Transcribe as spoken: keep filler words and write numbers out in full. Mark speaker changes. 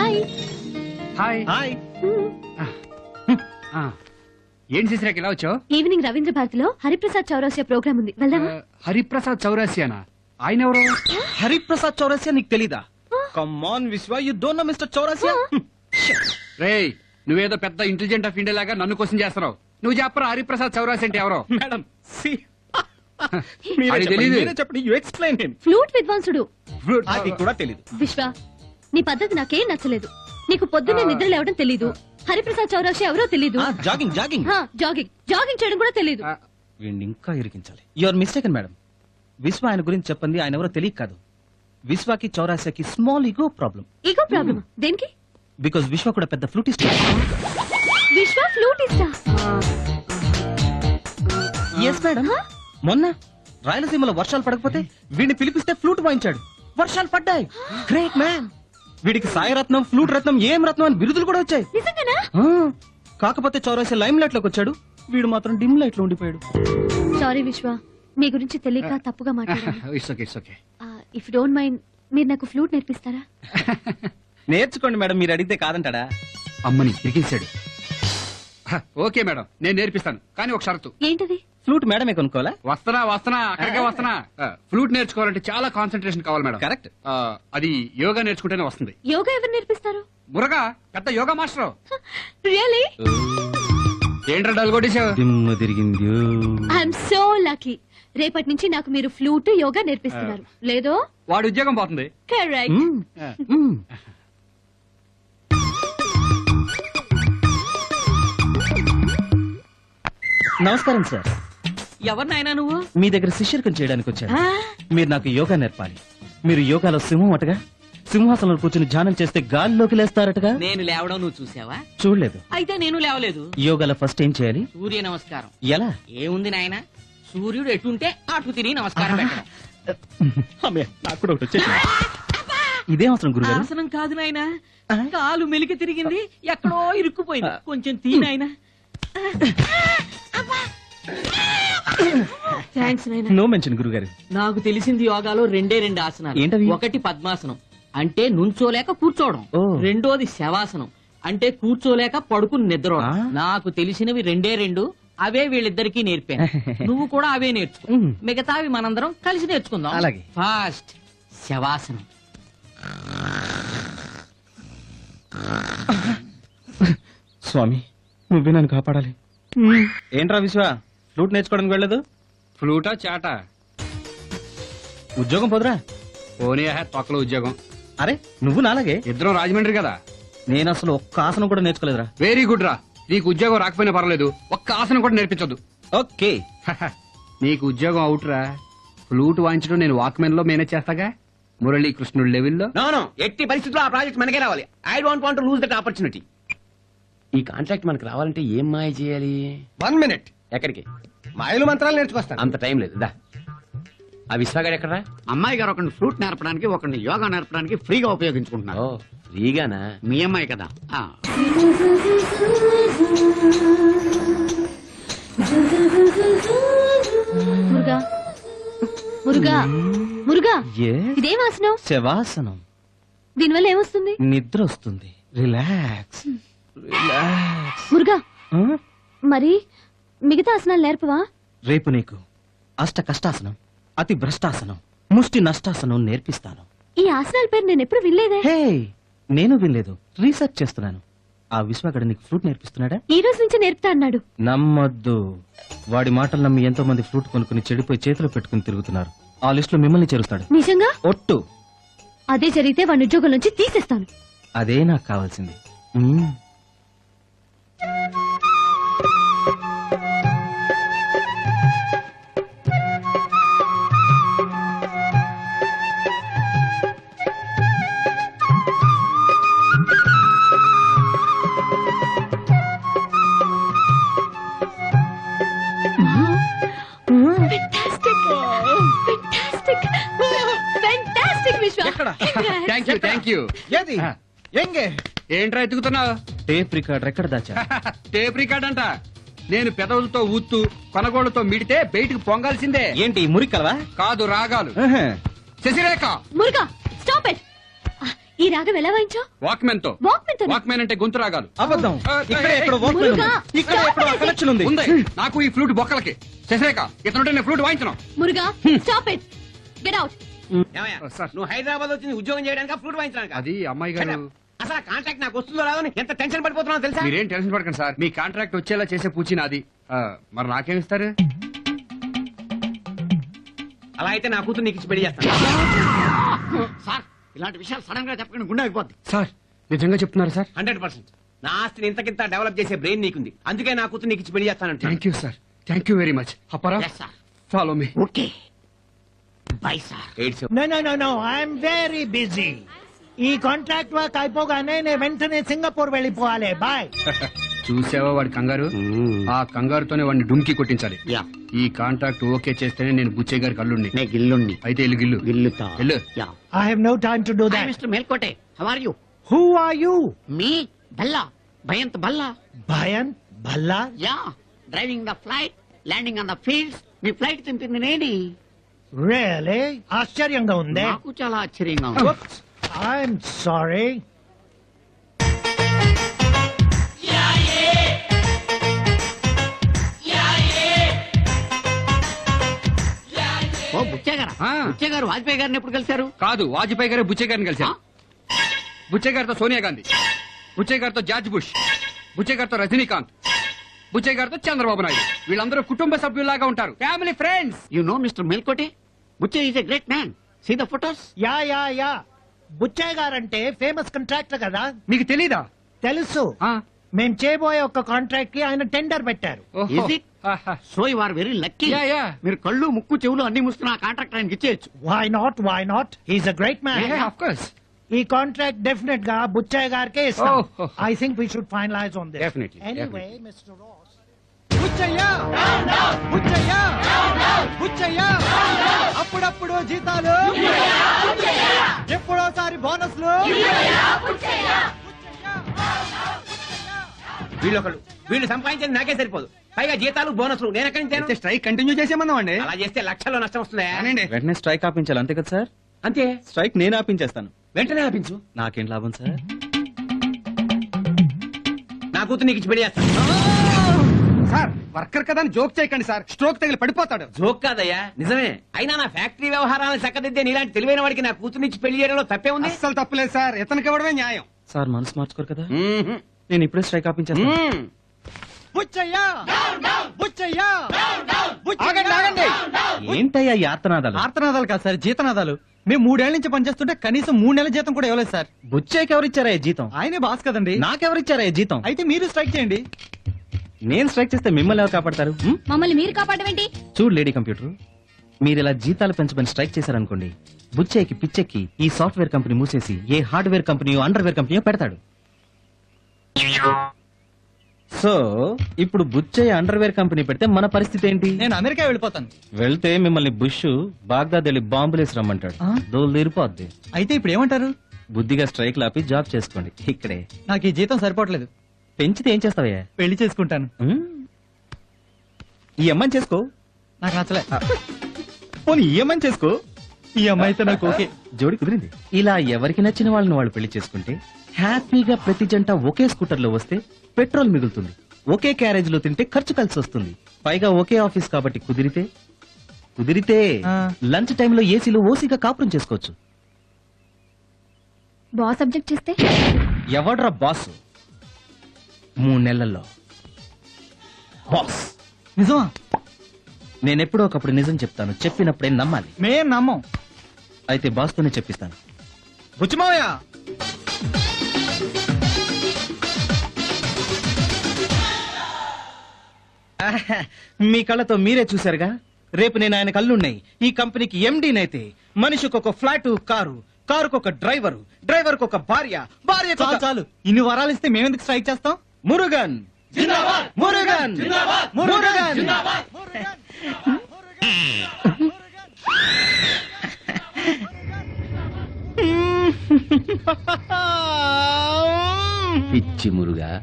Speaker 1: Hi
Speaker 2: hi
Speaker 3: hi.
Speaker 2: ఏంటి చేసినాక ఇలా వచ్చావు?
Speaker 1: ఈవినింగ్ రవీంద్ర భారతిలో హరిప్రసాద్ చౌరాసియా ప్రోగ్రామ్ ఉంది, వెళ్దామా?
Speaker 2: హరిప్రసాద్ చౌరాసియానా? ఆయన ఎవరు?
Speaker 3: హరిప్రసాద్ చౌరసియా నీకు తెలీదా? Come on Vishwa, you don't know mister Chaurasia.
Speaker 2: రేయ్, నువ్వేదో పెద్ద ఇంటెలిజెంట్ ఆఫ్ ఇండియా లాగా నన్ను క్వశ్చన్ చేస్తున్నావు. నువ్వు చెప్పరా హరిప్రసాద్ చౌరాసి అంటే ఎవరో?
Speaker 3: మేడం సి
Speaker 2: అది తెలీదు.
Speaker 3: చెప్పండి, యు ఎక్స్ప్లెయిన్ హిమ్.
Speaker 1: ఫ్లూట్ విద్వాంసుడు.
Speaker 3: అది కూడా తెలీదు.
Speaker 1: విశ్వ, నీ పద్ధతి నాకేం నచ్చలేదు. నీకు పొద్దున్నే నిద్ర లేవడం తెలీదు. హరిప్రసాద్ చౌరాసియా ఎవరో తెలీదు.
Speaker 3: జాగింగ్ జాగింగ్
Speaker 1: జాగింగ్ జాగింగ్ చేయడం కూడా తెలీదు.
Speaker 2: ఆ,
Speaker 3: వీడిని ఇంకా ఇరికించాలి. Your mistaken madam. విశ్వ ఆయన గురించి చెప్పండి, ఆయన ఎవరో తెలియక కాదు. విశ్వకి చౌరాసియాకి small ego problem.
Speaker 1: Ego problem దేనికి?
Speaker 3: బికాజ్ విశ్వ కూడా పెద్ద ఫ్లూటిస్ట్.
Speaker 1: విశ్వ ఫ్లూటిస్టా?
Speaker 3: Yes madam. మొన్న రాయలసీమలో వర్షాలు పడకపోతే వీడిని పిలిపిస్తే ఫ్లూట్ వాయించాడు, వర్షాలు పడ్డాయి. Great man. వీడికి సాయరత్నం, ఫ్లూట్ రత్నం, ఏం రత్నం అని బిరుదులు కూడా వచ్చాయి.
Speaker 1: నిజంగానా?
Speaker 3: ఆ, కాకపోతే చౌరాసియా లైమ్ లైట్ లోకి వచ్చాడు, వీడు మాత్రం డిమ్ లైట్ లో ఉండిపోయాడు.
Speaker 1: సారీ విశ్వ, మీ గురించి తెలియక తప్పుగా మాట్లాడాను.
Speaker 2: It's okay, it's okay.
Speaker 1: If don't mind, మీరు నాకు ఫ్లూట్ నేర్పిస్తారా?
Speaker 3: నేర్చుకోండి మేడం, మీరు అడిగితే కాదంటాడా?
Speaker 2: అమ్మని ఇరికించాడు. హ, ఓకే మేడం, నేను నేర్పిస్తాను, కానీ ఒక షరతు.
Speaker 1: ఏంటది?
Speaker 3: ఫ్లూట్ మేడమే కొనుక్కోవాలా?
Speaker 2: వస్తున్నా వస్తున్నా అక్కడికే వస్తున్నా. ఫ్లూట్ నేర్చుకోవాలంటే చాలా కాన్సన్ట్రేషన్ కావాలి మేడం.
Speaker 3: కరెక్ట్.
Speaker 2: ఆ, అది యోగా నేర్చుకుంటేనే వస్తుంది.
Speaker 1: యోగా ఎవరు నేర్పిస్తారు?
Speaker 2: మురగా పెద్ద యోగా మాస్టర్.
Speaker 1: రియలీ?
Speaker 2: ఏంట్రా డల్ కొట్టేశావు?
Speaker 3: దిమ్మ తిరిగింది.
Speaker 1: I'm so lucky. రేపటి నుంచి నాకు మీరు ఫ్లూట్ యోగా నేర్పిస్తున్నారు. లేదో
Speaker 2: వాడి ఉద్యోగం పోతుంది.
Speaker 1: కరెక్ట్.
Speaker 3: నమస్కారం సార్.
Speaker 4: ఎవరినైనా నువ్వు?
Speaker 3: మీ దగ్గర శిష్యర్కం చేయడానికి వచ్చాను. మీరు నాకు యోగా నేర్పాలి. మీరు యోగాలో సింహం అటగా, సింహాసనంలో కూర్చుని ధ్యానం చేస్తే గాలిలోకి లేస్తారటగా.
Speaker 4: నేను లేవడం నువ్వు చూసావా?
Speaker 3: చూడలేదు.
Speaker 4: అయితే నేను లేవలేదు.
Speaker 3: యోగాలో ఫస్ట్ ఏం చేయాలి?
Speaker 4: సూర్య నమస్కారం.
Speaker 3: ఎలా?
Speaker 4: ఏముంది నాయన, సూర్యుడు ఎటుంటే అటు తిరిగి నమస్కారం పెట్టడం.
Speaker 3: అమ్మే, నాకు కూడా ఒకటి వచ్చేసింది. ఇదేం అవసరం గురుగారు?
Speaker 4: ఆసనం కాదు నాయన, కాలు మెలికి తిరిగింది, ఎక్కడో ఇరుక్కుపోయింది, కొంచెం తీ నాయన. థ్యాంక్స్ నాయన.
Speaker 3: నో మెన్షన్ గురుగారు.
Speaker 4: నాకు తెలిసింది యోగాలో రెండే రెండు ఆసనాలు.
Speaker 3: ఏంటవి?
Speaker 4: ఒకటి పద్మాసనం, అంటే నుంచోలేక కూర్చోవడం.
Speaker 3: ఓ.
Speaker 4: రెండోది శవాసనం, అంటే కూర్చోలేక పడుకుని నిద్రపోవడం.
Speaker 3: ఆ?
Speaker 4: నాకు తెలిసినవి రెండే రెండు, అవే వీళ్ళిద్దరికీ నేర్పాను. నువ్వు కూడా అవే నేర్చుకో.
Speaker 3: ఉమ్.
Speaker 4: మిగతావి మనందరం కలిసి నేర్చుకుందాం.
Speaker 3: అలాగే.
Speaker 4: ఫాస్ట్ శవాసనం.
Speaker 3: స్వామి, నువ్వే నన్ను కాపాడాలి. ఏంట్రా విశ్వ, ఫ్లూట్ నేర్చుకోవడానికి వెళ్ళదు?
Speaker 2: ఫ్లూటా చాటా?
Speaker 3: ఉద్యోగం పోదురా.
Speaker 2: పోనీ హే తొక్కల ఉద్యోగం.
Speaker 3: అరే నువ్వు నాలాగే.
Speaker 2: ఇద్దరం రాజమండ్రి కదా.
Speaker 3: నేను అసలు ఒక్క ఆసనం కూడా నేర్చుకోలేదురా.
Speaker 2: వెరీ గుడ్ రా. నీకు ఉద్యోగం రాకపోయినా పర్లేదు, ఒక్క ఆసనం కూడా నేర్పించదు.
Speaker 3: ఓకే.
Speaker 2: నీకు ఉద్యోగం అవుట్ రా. ఫ్లూట్ వాయించడం నేను వాక్మెన్ లో మేనేజ్ చేస్తాగా, మురళీకృష్ణుడు లెవెల్లో.
Speaker 5: నో నో, ఎట్టి పరిస్థితుల్లో ఆ ప్రాజెక్ట్ మనకే రావాలి. I don't want to lose that opportunity. ఈ కాంట్రాక్ట్ మనకు రావాలంటే ఏం మాయ చేయాలి?
Speaker 6: One minute.
Speaker 5: ఎక్కడికి?
Speaker 6: మాయలు మంత్రాలు నేర్చుకొస్తాను.
Speaker 5: అంత టైం లేదు, దా. ఆ విశ్వగాడు ఎక్కడరా?
Speaker 7: అమ్మాయి గారు ఒకరిని ఫ్లూట్ నేర్పడానికి ఒకరిని యోగా నేర్పడానికి ఫ్రీగా ఉపయోగించుకుంటున్నారు.
Speaker 5: ఓ, ఫ్రీగానా?
Speaker 7: మీ అమ్మాయి కదా. ఆ.
Speaker 1: మురుగా మురుగా మురుగా,
Speaker 3: Yes?
Speaker 1: ఇదేం ఆసనం?
Speaker 3: శవాసనం.
Speaker 1: దీనివల్ల ఏమొస్తుంది?
Speaker 3: నిద్ర వస్తుంది. Relax relax.
Speaker 1: మురుగా,
Speaker 3: ఆ?
Speaker 1: మరి మిగతా ఆసనాలు నేర్పవా?
Speaker 3: రేపు నీకు అష్ట కష్టాసనం, అతి భ్రష్టాసనం, ముష్టి నష్టాసనం నేర్పిస్తాను.
Speaker 1: ఈ ఆసనాల పేరు నేను ఎప్పుడు వినలేదే.
Speaker 3: హే, నేను వినలేదు, రీసెర్చ్ చేస్తున్నాను. ఆ విశ్వగడ నీకు ఫ్లూట్ నేర్పిస్తున్నాడా?
Speaker 1: ఈ రోజు నుంచి నేర్పుతా అన్నాడు.
Speaker 3: నమ్మొద్దు. వాడి మాటలు నమ్మి ఎంతో మంది ఫ్లూట్ కొనుక్కుని చెడిపోయి చేతిలో పెట్టుకుని తిరుగుతున్నారు. ఆ లిస్ట్ లో మిమ్మల్ని చేరుస్తాడు.
Speaker 1: నిజంగా?
Speaker 3: ఒట్టు.
Speaker 1: అదే జరిగితే వాడి ఉద్యోగం నుంచి తీసేస్తాను.
Speaker 3: అదే నాకు కావాల్సింది. మ్మ్.
Speaker 1: Fantastic! Fantastic! Fantastic, విశ్వ!
Speaker 3: ఎక్కడ?
Speaker 2: Thank you thank you.
Speaker 6: ఏది ఎంగే
Speaker 2: ఏంట్రా ఎత్తుకుతున్నావు?
Speaker 3: టేప్ రికార్డర్ ఎక్కడ దాచా?
Speaker 2: టేప్ రికార్డ్ అంట. నేను పెదవులతో ఊత్తూ కొనగోళ్లతో మిడితే బయటికి పొంగాల్సిందే.
Speaker 3: ఏంటి మురికలవా?
Speaker 2: కాదు, రాగాలు. Sasirekha,
Speaker 1: Muruga, stop it! ఈ రాగం ఎలా వాయించావు?
Speaker 2: వాక్మెన్ తో
Speaker 1: వాక్మెన్ తో
Speaker 2: వాక్మెన్ అంటే గొంతు రాగాలు
Speaker 3: అబద్ధం.
Speaker 2: ఆ,
Speaker 3: ఇక్కడే
Speaker 2: ఏయ్,
Speaker 3: ఇక్కడ Walkman ఉంది.
Speaker 1: మురుగా,
Speaker 3: ఇక్కడ
Speaker 1: stop
Speaker 3: ఇక్కడ
Speaker 1: it.
Speaker 3: కనెక్షన్ ఉంది.
Speaker 2: ఉంది నాకు ఈ ఫ్లూట్ బొక్కలకి శశరేఖ ఇతనుంటే నేను ఫ్లూట్ వాయించను
Speaker 1: Muruga stop it get out.
Speaker 5: ఏమయ్యా?
Speaker 2: Oh, sir.
Speaker 5: నువ్వు హైదరాబాద్ వచ్చింది ఉద్యోగం చేయడానికి ఫ్లూట్ వాయించడానికి
Speaker 2: అది అమ్మాయి గారు
Speaker 5: అసలు కాంట్రాక్ట్ నాకు వస్తుందో రాదో అని ఎంత టెన్షన్ పడిపోతున్నావు తెలుసా?
Speaker 2: మీరేం టెన్షన్ పడకండి సార్ మీ కాంట్రాక్ట్ వచ్చేలా చేసే పూచి నాది ఆ, మరి నాకేం ఇస్తారు?
Speaker 5: అలా అయితే నా కూతురు నీకు ఇచ్చి పెళ్లి చేస్తాను.
Speaker 7: సార్ ఇలాంటి విషయాలు సడన్ గా చెప్పకుండా గుండె అయిపోద్ది.
Speaker 2: సార్ నిజంగా చెప్తున్నారు సార్?
Speaker 5: హండ్రెడ్ పర్సెంట్ నా ఆస్తిని ఇంతకింత డెవలప్ చేసే బ్రెయిన్ నీకుంది, అందుకే నా కూతురు నీకు ఇచ్చి పెళ్లి చేస్తానంటే.
Speaker 2: Thank you sir thank you very much. అప్పారా
Speaker 7: yes sir.
Speaker 2: Follow me.
Speaker 7: Okay bye sir.
Speaker 5: ఎయిడ్స్
Speaker 8: no no no no I'm very busy. ఈ కాంట్రాక్ట్ వర్క్ అయిపోగానే నేను వెంటనే సింగపూర్ వెళ్ళిపోవాలి. బాయ్.
Speaker 2: చూసావా వాడి కంగారు? ఆ కంగారుతోనే వాడిని డుమ్కి కొట్టించాలి.
Speaker 7: యా
Speaker 2: ఈ కాంట్రాక్ట్ ఓకే చేస్తేనే నేను బుచ్చయ్య గారి కల్లుండి.
Speaker 7: నే గిల్లుండి
Speaker 2: అయితే ఇల్లు గిల్లు
Speaker 7: గిల్లుతా.
Speaker 2: వెళ్ళు.
Speaker 7: Yeah
Speaker 8: I have no time to do that.
Speaker 7: Mister Melkote how are you?
Speaker 8: Who are you?
Speaker 7: Me Bhalla Bhayant Bhalla.
Speaker 8: Bhayan Bhalla.
Speaker 7: Yeah driving the flight landing on the fields. మీ ఫ్లైట్ తింపింది నేని.
Speaker 8: రియలీ ఆశ్చర్యంగా ఉంది.
Speaker 7: నాకు చాలా ఆశ్చర్యంగా ఉంది.
Speaker 8: I'm sorry.
Speaker 7: ఓ బుచ్చయ్య గారు
Speaker 2: ఆ.
Speaker 7: బుచ్చయ్య గారు వాజ్పేయి గారిని ఎప్పుడు కలిశారు?
Speaker 2: కాదు వాజ్పేయి గారే బుచ్చయ్య గారిని కలిశారు. బుచ్చయ్య గారితో సోనియా గాంధీ, బుచ్చయ్య గారితో జార్జ్ బుష్, బుచ్చయ్య గారితో రజనీకాంత్, బుచ్చయ్య గారితో చంద్రబాబు నాయుడు. వీళ్ళందరూ కుటుంబ సభ్యుల్లాగా ఉంటారు, family friends.
Speaker 7: You know mister Melkote Buchaiah is a great man. See the photos.
Speaker 8: Yeah yeah yeah Buchaiah గారంటే ఫేమస్ కాంట్రాక్టర్ కదా.
Speaker 2: మీకు తెలీదా?
Speaker 8: తెలుసు.
Speaker 2: ఆ,
Speaker 8: మేం చేయబోయే ఒక కాంట్రాక్ట్ కి ఆయన టెండర్ పెట్టారు.
Speaker 2: ఓహో.
Speaker 7: Is it?
Speaker 2: ఆహా.
Speaker 7: So you are very lucky.
Speaker 2: Yeah, yeah.
Speaker 7: మీరు కళ్ళు ముక్కు చెవులు అన్ని మూసుకున్న ఆ కాంట్రాక్ట్ ఆయనకి ఇచ్చేయచ్చు.
Speaker 8: Why not why not he's a great man.
Speaker 2: Yeah, of course.
Speaker 8: ఈ కాంట్రాక్ట్ డెఫినెట్ గా బుచ్చయ్య గారికే ఇస్తాం.
Speaker 2: Oh, oh.
Speaker 8: I think we should finalize on this.
Speaker 5: Definitely,
Speaker 8: anyway mister Ross.
Speaker 6: Buchaiah Buchaiah Buchaiah అప్పుడప్పుడు జీతాలు, ఎప్పుడోసారి బోనస్లు.
Speaker 5: వీళ్ళు ఒకళ్ళు వీళ్ళు సంపాదించేది నాకే సరిపోదు, పైగా జీతాలు బోనస్లు నేను ఎక్కడి నుంచి తేను?
Speaker 6: స్ట్రైక్ కంటిన్యూ చేసేమన్నాం అండి.
Speaker 5: అలా చేస్తే లక్షల్లో నష్టం వస్తుందా?
Speaker 3: వెంటనే స్ట్రైక్ ఆపించాలి అంతే కదా సార్?
Speaker 5: అంతే,
Speaker 3: స్ట్రైక్ నేను ఆపించేస్తాను.
Speaker 5: వెంటనే ఆపించు.
Speaker 3: నాకేం లాభం సార్?
Speaker 5: నా కూతురు నీకు ఇచ్చి పెళ్లి చేస్తాను.
Speaker 6: సార్ వర్కర్ కదా అని జోక్ చేయకండి సార్, స్ట్రోక్ తగిలి పడిపోతాడు.
Speaker 5: జోక్ కాదయ్యా, నిజమే. అయినా నా ఫ్యాక్టరీ వ్యవహారాలను చక్కదిద్దే నీలాంటి తెలివైన వాడికి నా కూతురునిచ్చి పెళ్లి చేయడంలో తప్పే ఉంది.
Speaker 6: అస్సలు తప్పలేదు సార్, ఇతనికి ఇవ్వడమే న్యాయం.
Speaker 3: సార్ మనసు మార్చుకోరు కదా?
Speaker 5: మ్మ్హ్మ్.
Speaker 3: నేను ఇప్పుడే స్ట్రైక్ ఆపించేస్తాను.
Speaker 5: మ్మ్.
Speaker 6: బుచ్చయ్య బుచ్చయ్య ఆగండి ఆగండి.
Speaker 3: ఏంటయ్యా ఈ ఆర్తనాదాలు?
Speaker 6: ఆర్తనాదాలు కాదు సార్, జీతనాదాలు. మేము మూడేళ్ల నుంచి పనిచేస్తుంటే కనీసం మూడు నెలల జీతం కూడా ఇవ్వలేదు సార్.
Speaker 3: బుచ్చయ్యకి ఎవరిచ్చారా ఈ జీతం?
Speaker 6: ఆయనే బాస్ కదండి.
Speaker 3: నాకెవరిచ్చారా ఈ జీతం?
Speaker 6: అయితే మీరు స్ట్రైక్ చేయండి.
Speaker 3: నేను స్ట్రైక్ చేస్తే మిమ్మల్ని ఎవరు కాపాడతారు? హ్మ్?
Speaker 1: మమ్మల్ని మీరు కాపాడమేంటి?
Speaker 3: చూడు లేడీ కంప్యూటర్, మీరు ఇలా జీతాలు పెంచమని స్ట్రైక్ చేశారనుకోండి, బుచ్చయ్యకి పిచ్చెక్కి ఈ సాఫ్ట్వేర్ కంపెనీ మూసేసి ఏ హార్డ్వేర్ కంపెనీయో అండర్వేర్ కంపెనీయో పెడతాడు. సో ఇప్పుడు బుచ్చయ్య అండర్వేర్ కంపెనీ పెడితే మన పరిస్థితి ఏంటి?
Speaker 6: నేను అమెరికా వెళ్ళిపోతాను.
Speaker 3: వెళ్తే మిమ్మల్ని బుష్ బాగ్దాద్ వెళ్ళి బాంబులేసి రమ్మంటాడు.
Speaker 6: ఆ?
Speaker 3: దోలు తీరిపోద్ది.
Speaker 6: అయితే ఇప్పుడు ఏమంటారు?
Speaker 3: బుద్ధిగా స్ట్రైక్ లాపి జాబ్ చేసుకోండి ఇక్కడే.
Speaker 6: నాకు ఈ జీతం సరిపోవట్లేదు,
Speaker 3: పెంచితే ఏం చేస్తావయ్యా?
Speaker 6: పెళ్లి చేసుకుంటాను.
Speaker 3: హ్మ్? ఈ అమ్మాయిని చేసుకో.
Speaker 6: నాకు నచ్చలే.
Speaker 3: పోనీ ఈ అమ్మాయిని చేసుకో.
Speaker 6: ఈ అమ్మాయితో నాకు ఓకే.
Speaker 3: జోడి కుదిరింది. ఇలా ఎవరికి నచ్చిన వాళ్ళని వాళ్ళు పెళ్లి చేసుకుంటే హ్యాపీగా ప్రతి జంట ఒకే స్కూటర్ లో వస్తే పెట్రోల్ మిగులుతుంది, ఒకే క్యారేజ్ లో తింటే ఖర్చు కలిసి వస్తుంది, పైగా ఒకే ఆఫీస్ కాబట్టి కుదిరితే కుదిరితే
Speaker 6: ఆ.
Speaker 3: లంచ్ టైంలో ఏసీలో ఓసీగా కాపురం చేసుకోవచ్చు.
Speaker 1: బాస్ సబ్జెక్ట్ చేస్తే
Speaker 3: ఎవడ్రా బాస్? మూడు నెలల్లో బాస్.
Speaker 6: నిజమా?
Speaker 3: నేనెప్పుడో ఒకప్పుడు నిజం చెప్తాను, చెప్పినప్పుడే నమ్మాలి.
Speaker 6: మేం నమ్మం.
Speaker 3: అయితే బాస్తోనే చెప్పిస్తాను.
Speaker 6: బుచ్చిమావయ్య
Speaker 3: మీ కళ్ళతో మీరే చూశారుగా, రేపు నేను ఆయన కళ్ళున్నాయి. ఈ కంపెనీకి ఎండీనైతే మనిషికి ఒక ఫ్లాట్ కారు, కారుకు ఒక డ్రైవరు, డ్రైవర్ ఒక భార్య, భార్య
Speaker 6: చాలు చాలు, ఇన్ని వరాలు ఇస్తే మేమెందుకు స్ట్రైక్ చేస్తాం?
Speaker 3: మురుగన్ మురుగన్ మురుగన్.
Speaker 5: పిచ్చి మురుగా